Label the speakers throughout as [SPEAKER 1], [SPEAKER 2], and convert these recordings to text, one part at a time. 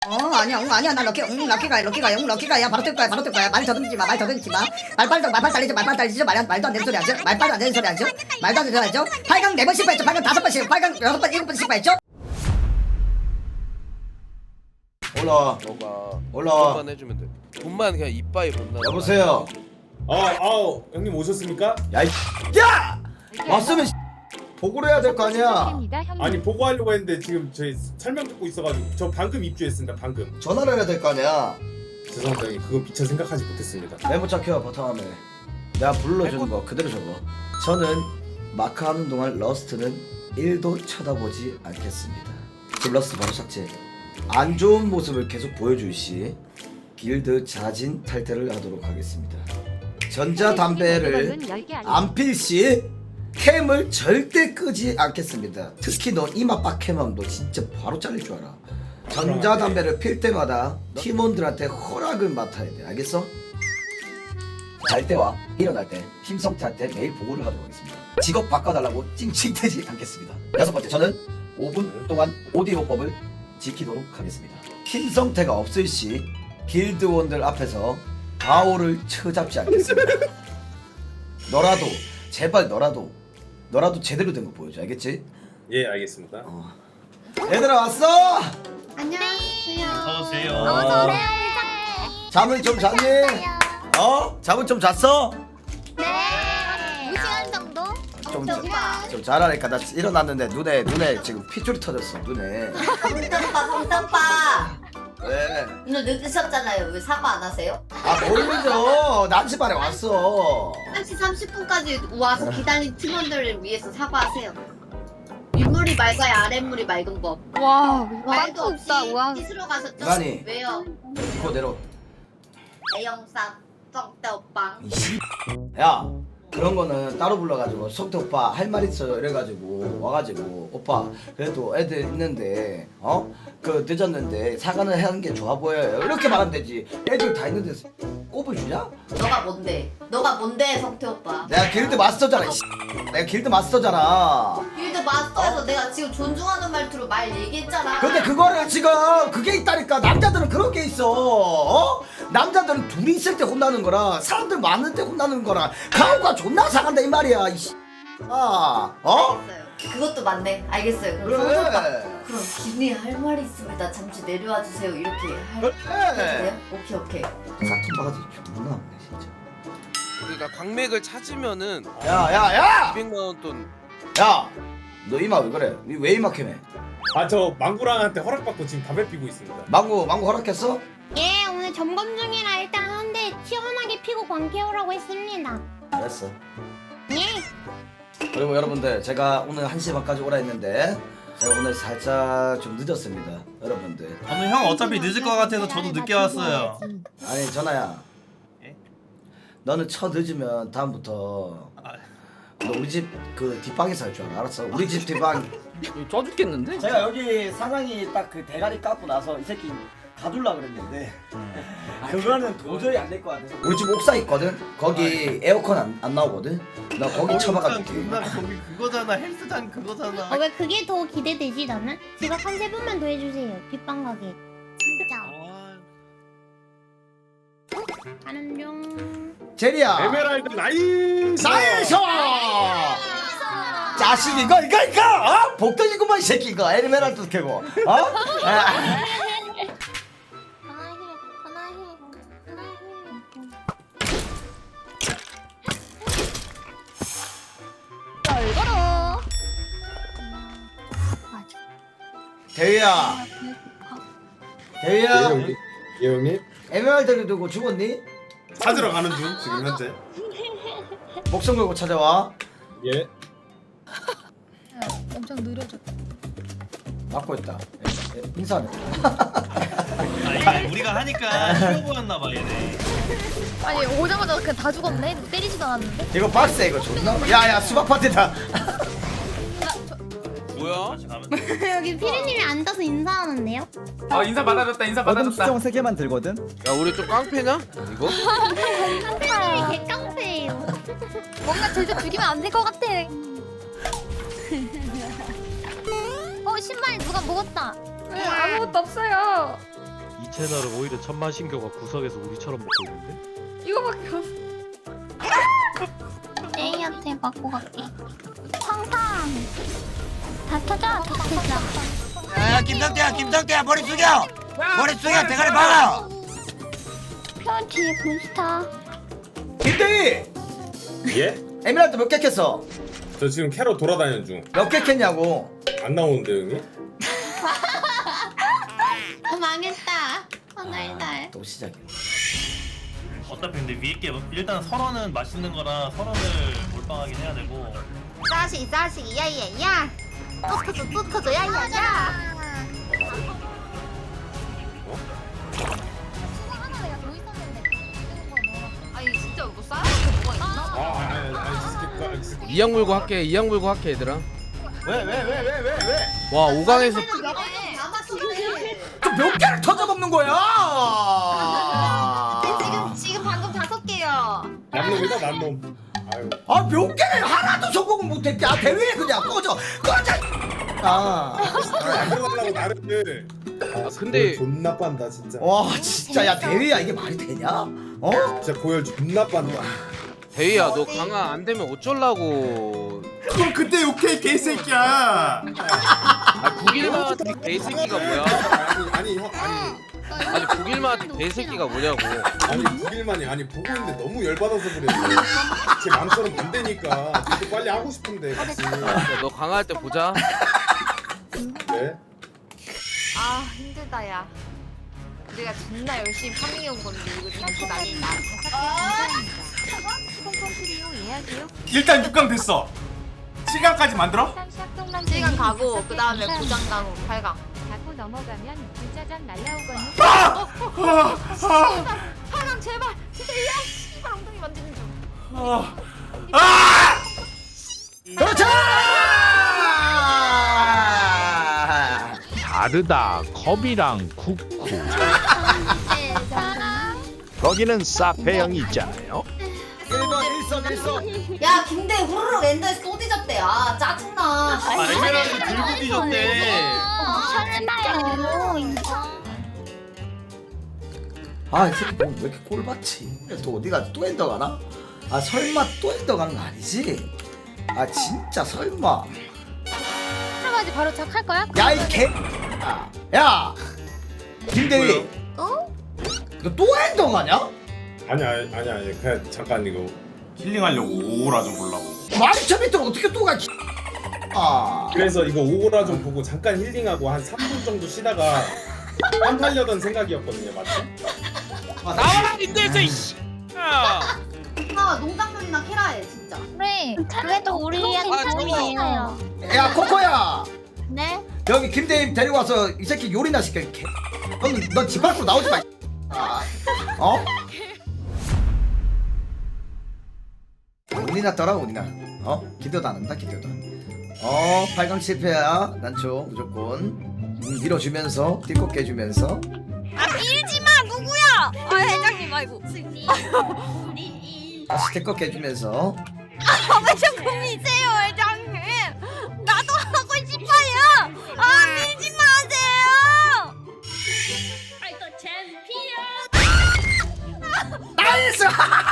[SPEAKER 1] 아니야 나 럭키가야 바로 뜰 거야 말 더듬지 마 말빨 달리지 말도 안 되는 소리 하죠 말빨도 안 되는 소리 하죠 말도 안 되는 소리 하죠 8강 4번 실패했죠 8강 5번 6번 7번 실패했죠.
[SPEAKER 2] 올라.
[SPEAKER 3] 돈만 해주면 돼. 돈만 그냥 이빠이 본다.
[SPEAKER 2] 여보세요.
[SPEAKER 4] 형님 오셨습니까?
[SPEAKER 2] 야! 왔으면 보고를 해야 될 거 아니야.
[SPEAKER 4] 아니 보고하려고 했는데 지금 저희 설명 듣고 있어가지고 저 방금 입주했습니다. 방금.
[SPEAKER 2] 전화를 해야 될 거 아니야.
[SPEAKER 4] 죄송합니다. 형님. 그거 미처 생각하지 못했습니다.
[SPEAKER 2] 메모 착혀 바탕화면에. 내가 불러주는 거 그대로 적어. 저는 마크 하는 동안 러스트는 1도 쳐다보지 않겠습니다. 지금 러스트 바로 삭제. 안 좋은 모습을 계속 보여줄 시 길드 자진 탈퇴를 하도록 하겠습니다. 전자담배를 안 필 시 캠을 절대 끄지 않겠습니다. 특히 너 이마 빡캠하면 너 진짜 바로 잘릴 줄 알아. 전자담배를 필 때마다 팀원들한테 허락을 맡아야 돼. 알겠어? 잘 때와 일어날 때 힘성태한테 매일 보고를 하도록 하겠습니다. 직업 바꿔달라고 찡찡대지 않겠습니다. 6번째, 저는 5분 동안 오디오법을 지키도록 하겠습니다. 힘성태가 없을 시 길드원들 앞에서 바오를 쳐잡지 않겠습니다. 너라도 제발 너라도 제대로 된 거 보여줘. 알겠지?
[SPEAKER 4] 예 알겠습니다.
[SPEAKER 2] 얘들아 왔어?
[SPEAKER 5] 안녕하세요.
[SPEAKER 6] 어서오세요.
[SPEAKER 5] 어서오세요.
[SPEAKER 2] 잠을 좀 잤니? 잠은 좀 잤어?
[SPEAKER 5] 네. 2시간 정도?
[SPEAKER 2] 좀 잘하니까. 나 일어났는데 눈에 지금 핏줄이 터졌어. 눈에.
[SPEAKER 7] 성탄빠
[SPEAKER 2] 왜?
[SPEAKER 7] 오늘 늦으셨잖아요. 왜 사과 안 하세요?
[SPEAKER 2] 모르죠. 난시 반에 왔어.
[SPEAKER 5] 1시 30분까지 와서 기다린 팀원들을 위해서 사과하세요. 윗물이 맑아야 아랫물이 맑은 법.
[SPEAKER 8] 와,
[SPEAKER 5] 말도 없이
[SPEAKER 8] 없다. 와.
[SPEAKER 5] 씻으러 가셨죠?
[SPEAKER 2] 이만희.
[SPEAKER 5] 왜요?
[SPEAKER 2] 이거 내려.
[SPEAKER 5] 애영상 쩡대 오빵.
[SPEAKER 2] 야, 그런 거는 따로 불러가지고 석태 오빠 할 말 있어요 이래가지고 와가지고 오빠 그래도 애들 있는데 그 늦었는데 사과는 하는 게 좋아 보여요 이렇게 말하면 되지. 애들 다 있는데 꼽을 주냐?
[SPEAKER 7] 너가 뭔데? 너가 뭔데 성태 오빠?
[SPEAKER 2] 내가 길드 마스터잖아. 내가 길드 마스터잖아.
[SPEAKER 7] 길드 마스터에서 내가 지금 존중하는 말투로 말 얘기했잖아.
[SPEAKER 2] 근데 그거를 지금 그게 있다니까. 남자들은 그런 게 있어. 남자들은 둘이 있을 때 혼나는 거랑 사람들 많을 때 혼나는 거랑 가오가 존나 상한다 이 말이야.
[SPEAKER 7] 알겠어요. 그것도 맞네. 알겠어요. 그럼 성태 오빠.
[SPEAKER 2] 그래.
[SPEAKER 7] 그럼 기분이 할 말이 있습니다. 잠시 내려와 주세요. 이렇게
[SPEAKER 2] 그래.
[SPEAKER 7] 해주세요. 오케이.
[SPEAKER 2] 사통 바가지 존나 없네 진짜.
[SPEAKER 3] 그러니까 광맥을 찾으면은
[SPEAKER 2] 야!
[SPEAKER 3] 200만 원 돈.
[SPEAKER 2] 야! 너 이마 왜 그래? 왜 이마 캠해?
[SPEAKER 4] 저 망구랑한테 허락받고 지금 담배 피고 있습니다.
[SPEAKER 2] 망고 허락했어?
[SPEAKER 8] 예, 오늘 점검 중이라 일단 한 대 시원하게 피고 광캐오라고 했습니다.
[SPEAKER 2] 알았어.
[SPEAKER 8] 예.
[SPEAKER 2] 그리고 여러분들 제가 오늘 1시 반까지 오라 했는데 제가 오늘 살짝 좀 늦었습니다. 여러분들.
[SPEAKER 6] 오늘 형 어차피 늦을 것 같아서 저도 늦게 왔어요.
[SPEAKER 2] 아니 전화야.
[SPEAKER 6] 예?
[SPEAKER 2] 너는 늦으면 다음부터 너 우리 집 그 뒷방에서 할 줄 알아. 알았어? 우리 집 뒷방.
[SPEAKER 9] 쪄 죽겠는데?
[SPEAKER 10] 제가 여기 사장이 딱 그 대가리 깎고 나서 이 새끼 가둘라 그랬는데 그거는 도저히 안 될 것 같아서
[SPEAKER 2] 우리 집 옥상 있거든. 거기 에어컨 안 나오거든. 나 거기 쳐박아줄게.
[SPEAKER 6] 거기 그거잖아. 헬스장 그거잖아.
[SPEAKER 8] 왜 그게 더 기대되지 나는? 지각 한 3번만 더 해주세요. 뒷방 가게. 진짜. 가는 중.
[SPEAKER 2] 제리야.
[SPEAKER 4] 에메랄드 나이스.
[SPEAKER 2] 자식 이거 복덩이구만 이 새끼 이거 에메랄드 캐고
[SPEAKER 8] 얼거로.
[SPEAKER 2] 대위야
[SPEAKER 4] 예 형님.
[SPEAKER 2] 에메랄드를 두고 죽었니?
[SPEAKER 4] 찾으러 가는 중 지금 현재.
[SPEAKER 2] 목숨 걸고 찾아와.
[SPEAKER 4] 예.
[SPEAKER 8] 엄청 느려졌다.
[SPEAKER 2] 막고 있다. 인사하네.
[SPEAKER 6] 아니, 우리가 하니까 쉬워 보였나 봐 얘네.
[SPEAKER 8] 아니 오자마자 그냥 다 죽었네. 때리지도 않았는데.
[SPEAKER 2] 이거 박스 이거 존나. 야야 수박 파티다.
[SPEAKER 3] 뭐야?
[SPEAKER 8] 여기 피디님이 앉아서 인사하는데요?
[SPEAKER 9] 인사 받아줬다.
[SPEAKER 10] 수정 3개만 들거든?
[SPEAKER 3] 야 우리 좀 깡패냐? 이거?
[SPEAKER 8] 깡패, 개깡패예요. 뭔가 제주 죽이면 안 될 것 같아. 신발 누가 먹었다.
[SPEAKER 5] 아무것도 없어요.
[SPEAKER 6] 채널은 오히려 천만신교가 구석에서 우리처럼 먹고 있는데?
[SPEAKER 8] 이거밖에 없어. A한테 맞고 갈게. 황상. 다 터져. 다 터져.
[SPEAKER 10] 야 김성태야 머리 숙여 대가리 박아.
[SPEAKER 8] 편 뒤에 본스타.
[SPEAKER 2] 김대희
[SPEAKER 4] 예?
[SPEAKER 2] 에메랄드 몇 개 캤어?
[SPEAKER 4] 저 지금 캐러 돌아다니는 중.
[SPEAKER 2] 몇 개 캤냐고.
[SPEAKER 4] 안 나오는데 형님?
[SPEAKER 8] 망했다. 하늘달.
[SPEAKER 2] 또 시작이야.
[SPEAKER 6] 어차피 근데 위에 게 일단 설원은 맛있는 거라 설원을 몰빵하긴 해야 되고.
[SPEAKER 8] 싸시 야야야. 또 터져 야야야. 아니 진짜 뭐 싸야 뭐가 있나?
[SPEAKER 4] 아니
[SPEAKER 3] 이양 물고 할게 이양 물고 할게 얘들아.
[SPEAKER 2] 왜?
[SPEAKER 3] 와 5강에서
[SPEAKER 2] 몇 개를 터져 먹는 거야?
[SPEAKER 8] 지금 방금 5개요.
[SPEAKER 4] 남놈이다 남놈. 아유.
[SPEAKER 2] 아 몇 개를 하나도 성공을 못했대. 아 대회에 그냥 꺼져. 아.
[SPEAKER 4] 안 들어가려고 나를. 아
[SPEAKER 3] 근데-
[SPEAKER 4] 고열 존나 빤다 진짜.
[SPEAKER 2] 와 진짜 야 대회야 이게 말이 되냐? 어?
[SPEAKER 4] 진짜 고열 존나 빤다.
[SPEAKER 3] 대희야 너 강화 안 되면 어쩌려고.
[SPEAKER 10] 그럼 그때 욕해 개새끼야.
[SPEAKER 3] 아 9일마한테 개새끼가 뭐야.
[SPEAKER 4] 아니 형
[SPEAKER 3] 아니 9일마한테 개새끼가 뭐냐고.
[SPEAKER 4] 아니 6일만이 아니 보고 있는데 너무 열받아서 그래. 제 마음처럼 안 되니까 저도 빨리 하고 싶은데 같이.
[SPEAKER 3] 너 강화할 때 보자.
[SPEAKER 4] 네?
[SPEAKER 8] 아 힘들다 야. 우리가 존나 열심히 파밍해온 건데 이거 진짜 난리다.
[SPEAKER 10] 일단 6강 됐어. 7강까지 만들어?
[SPEAKER 8] 시간 가고 그 다음에 고장 당후 8강.
[SPEAKER 11] 자꾸 넘어가면 불자전 날라오거든.
[SPEAKER 8] 8강 제발. 진짜 야 씨발 엉덩이 만지는 중.
[SPEAKER 2] 그렇죠.
[SPEAKER 12] 다르다 컵이랑 쿠쿠 거기는 사페형이 있잖아요.
[SPEAKER 2] 1번 1선
[SPEAKER 7] 야 김대 후루룩 엔더에서 또 뒤졌대. 아 짜증나.
[SPEAKER 6] 아 에메랄드 들고 뒤졌대.
[SPEAKER 2] 아이 새끼 뭐 왜 이렇게 꼴받지? 또 어디 가지? 또 엔더 가나? 아 설마 또 엔더 가는 거 아니지? 아 진짜 설마.
[SPEAKER 11] 할아버지 바로 착할 거야?
[SPEAKER 2] 야 이 개. 야 김대휘.
[SPEAKER 8] 어?
[SPEAKER 2] 너 또 엔더 가냐?
[SPEAKER 4] 아니 그냥 잠깐 이거
[SPEAKER 10] 힐링하려고 오라 좀 보려고.
[SPEAKER 2] 12,000m 어떻게 또 가? 아.
[SPEAKER 4] 그래서 이거 오고라 좀 보고 잠깐 힐링하고 한 3분 정도 쉬다가 안 팔려던 생각이었거든요 맞지?
[SPEAKER 3] 나와라 님들서 이씨.
[SPEAKER 5] 아 농작물이나 캐라해 진짜.
[SPEAKER 11] 그래. 그래도 우리한테 도움이에요.
[SPEAKER 2] 야 코코야.
[SPEAKER 11] 네?
[SPEAKER 2] 여기 김대휘 데리고 와서 이 새끼 요리나 시켜. 넌집 밖으로 나오지 마. 아. 어? 운이나 떠라 운이나. 어? 기도도 안 한다 기도도. 8강 실패야. 난초 무조건. 밀어주면서 띠꼭 깨주면서.
[SPEAKER 8] 아 밀지마 누구야? 아 회장님 아이고.
[SPEAKER 2] 다시 띠꼭 깨주면서.
[SPEAKER 8] 왜 자꾸 미세요 회장님? 나도 하고 싶어요. 아 밀지 마세요. 아이고 챔피언.
[SPEAKER 2] 나이스!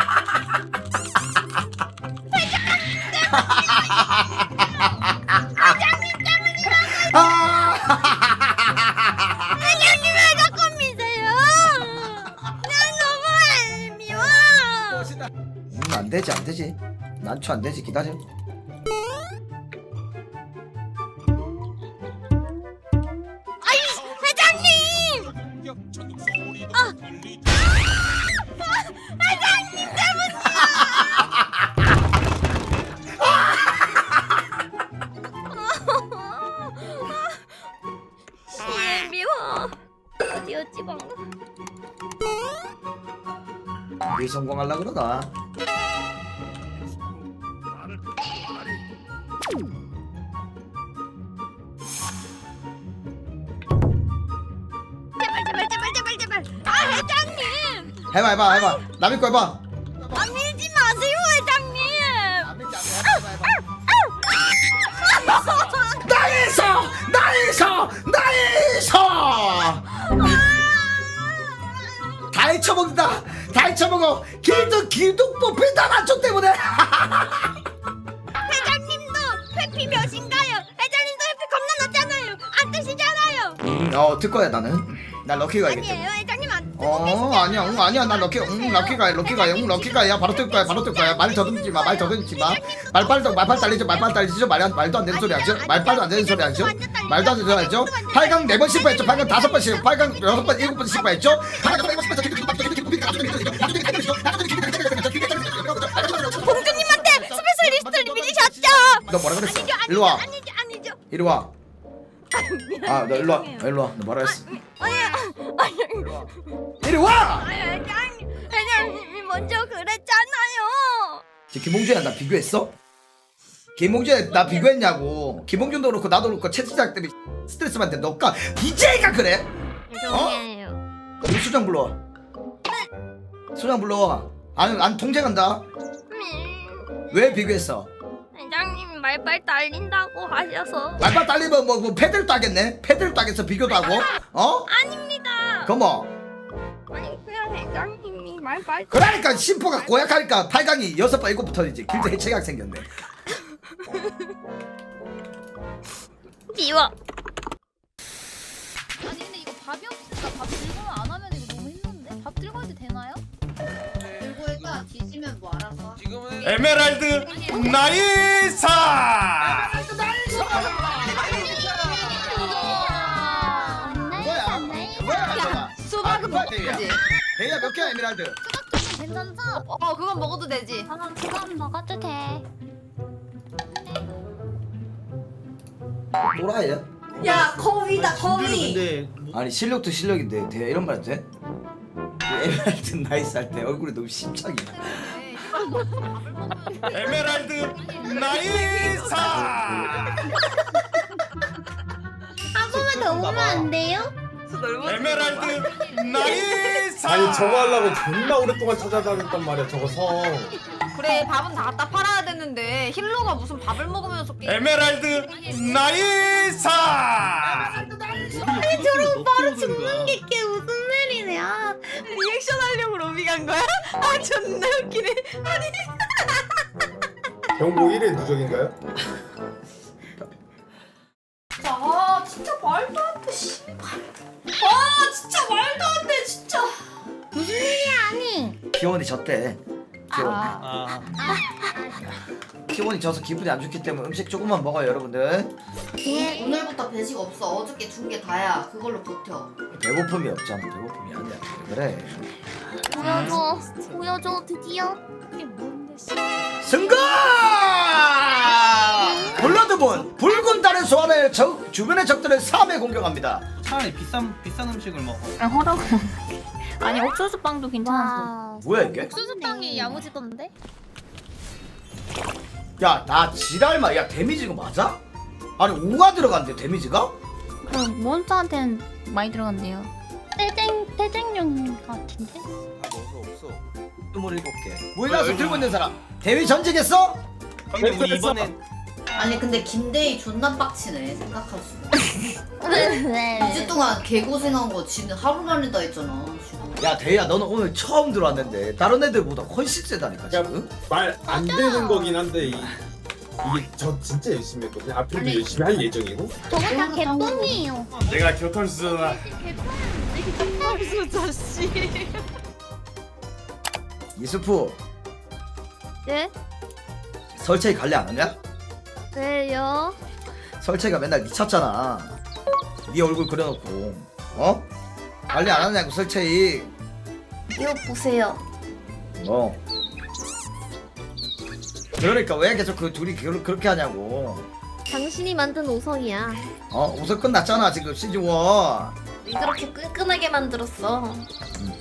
[SPEAKER 8] 회장님 왜 자꾸 미세요? 난 너무 미워.
[SPEAKER 2] 안 되지. 난초 안 되지. 기다려.
[SPEAKER 8] 아이 회장님. 회장님 때문이야. 미워. 어디였지 방금?
[SPEAKER 2] 우리 성공하려 그러나.
[SPEAKER 8] 제발. 아 회장님.
[SPEAKER 2] 해봐. 남의 거 해봐.
[SPEAKER 8] 아 밀지 마세요 회장님.
[SPEAKER 2] 나이스! 헤쳐먹는다. 다 헤쳐먹어. 길도 뽑힌다 난초 때문에.
[SPEAKER 11] 회장님도 회피 몇인가요? 회장님도 회피 겁나 낮잖아요. 안 뜨시잖아요.
[SPEAKER 2] 들 거야 나는. 난 럭키 가야겠다.
[SPEAKER 11] 아니에요, 회장님 안 뜨고
[SPEAKER 2] 아니야 난 럭키가야 바로 뜰 거야 말 더듬지 마 말빨 달리죠 말도 안 되는 소리 하죠 말빨도 안 되는 소리 하죠 말도 안 되는 소리 하죠 8강 4번 실패했죠 8강 5번 실패 8강 6번 7번 실패했죠
[SPEAKER 11] 공주님한테 스페셜 리스트를 믿으셨죠?
[SPEAKER 2] 너 뭐라 그랬어 일로와
[SPEAKER 11] 아니죠.
[SPEAKER 2] 이리와 너 일로와 너 뭐라 했어 이리와
[SPEAKER 11] 회장님이 먼저 그랬잖아요.
[SPEAKER 2] 김홍준이랑 나 비교했어? 김홍준이 나 비교했냐고. 김홍준도 그렇고 나도 그렇고 채팅장 때문에 스트레스 받는데 너가 BJ가 그래?
[SPEAKER 11] 죄송해요.
[SPEAKER 2] 우리 수장 불러와. 수장 불러와. 안 통제간다. 왜 비교했어?
[SPEAKER 11] 회장님이 말빨 달린다고 하셔서.
[SPEAKER 2] 말빨 딸리면 뭐 패드를 따겠네? 패드를 따겠어 비교도 하고?
[SPEAKER 11] 아닙니다.
[SPEAKER 2] 그뭐
[SPEAKER 11] 아니 그냥 회장님이 말빨.
[SPEAKER 2] 그러니까 심포가 고약하니까 8강이 6번 7번 터지지. 길드 해체각 생겼네.
[SPEAKER 11] 미워.
[SPEAKER 8] 아니 근데 이거 밥이 없으니까 밥 들고는 안 하면 이거 너무 힘든데? 밥 들고 해도 되나요?
[SPEAKER 5] 들고 해가 뒤지면 뭐 알아서.
[SPEAKER 3] 지금은
[SPEAKER 6] 에메랄드 나이사.
[SPEAKER 2] 뭐야?
[SPEAKER 8] 수박은 먹어도 되지.
[SPEAKER 2] 대야 몇 개야 에메랄드?
[SPEAKER 8] 괜찮죠? 그건 먹어도 되지.
[SPEAKER 11] 그건 먹어도 돼.
[SPEAKER 2] 뭐라 해?
[SPEAKER 7] 야 거위다 거위.
[SPEAKER 2] 아니 실력도 실력인데 대야 이런 말 해도 돼? 에메랄드 나이스 할 때 얼굴이 너무 심창이야.
[SPEAKER 6] 에메랄드 나이사.
[SPEAKER 11] 한 번만 더 오면 안 돼요?
[SPEAKER 6] 에메랄드 나이사.
[SPEAKER 4] 아니 저거 하려고 존나 오랫동안 찾아다녔단 말이야 저거 성.
[SPEAKER 8] 그래 밥은 다 갖다 팔아야 되는데 힐러가 무슨 밥을 먹으면서 게임.
[SPEAKER 6] 에메랄드 나이사.
[SPEAKER 11] 아니 저런 바로 죽는 게 이게 무슨 일이네. 아,
[SPEAKER 8] 리액션 하려고 로비 간 거야? 아 존나 웃기네. 아니
[SPEAKER 4] 경고 1회 누적인가요?
[SPEAKER 7] 아 진짜 말도 안 돼. 씨발. 아 진짜 말도 안 돼 진짜.
[SPEAKER 11] 무슨 일이야 아니.
[SPEAKER 2] 기원이 졌대. 기원.
[SPEAKER 6] 아.
[SPEAKER 2] 기원이 져서 기분이 안 좋기 때문에 음식 조금만 먹어요 여러분들.
[SPEAKER 11] 예.
[SPEAKER 7] 오늘부터 배식 없어. 어저께 준 게 다야. 그걸로 버텨.
[SPEAKER 2] 배고픔이 없잖아. 배고픔이 아니야. 그래.
[SPEAKER 11] 보여줘 드디어.
[SPEAKER 2] 승가! 블러드본 붉은 달의 소환을 주변의 적들을 3회 공격합니다.
[SPEAKER 6] 차라리 비싼 음식을 먹어.
[SPEAKER 11] 허라고. 아니 옥수수 빵도 괜찮았어.
[SPEAKER 2] 뭐야 이게?
[SPEAKER 8] 옥수수빵이 야무지던데?
[SPEAKER 2] 야 나 지랄마. 야 데미지가 맞아? 아니 5가 들어간대 데미지가?
[SPEAKER 11] 그 몬스터한테는 많이 들어간대요. 떼쟁용 같은데?
[SPEAKER 3] 없어.
[SPEAKER 2] 27개. 모이나서 들고 있는 사람 대위 전직했어?
[SPEAKER 6] 근데 우리 이번엔
[SPEAKER 7] 아니 근데 김대희 존나 빡치네 생각할수록.
[SPEAKER 11] 네.
[SPEAKER 7] 2주 동안 개고생한 거 지는 하루 만에 다 했잖아.
[SPEAKER 2] 야 대희야 너는 오늘 처음 들어왔는데 다른 애들보다 훨씬 세다니까 지금?
[SPEAKER 4] 말 안 되는 거긴 한데 이게 저 진짜 열심히 했거든요. 앞으로도
[SPEAKER 7] 아니.
[SPEAKER 4] 열심히 할 예정이고.
[SPEAKER 11] 저거 다 개똥이에요.
[SPEAKER 6] 내가 교통수다.
[SPEAKER 8] 옥수수 씨.
[SPEAKER 2] 이수프
[SPEAKER 11] 네?
[SPEAKER 2] 설채이 관리 안 하냐?
[SPEAKER 11] 왜요?
[SPEAKER 2] 설채가 맨날 미쳤잖아. 네 얼굴 그려놓고 어? 관리 안 하냐고 설채이.
[SPEAKER 11] 이거 보세요.
[SPEAKER 2] 그러니까 왜 계속 그 둘이 그렇게 하냐고.
[SPEAKER 11] 당신이 만든 오성이야.
[SPEAKER 2] 우선 끝났잖아 지금 시즌 1.
[SPEAKER 11] 이렇게 끈끈하게 만들었어.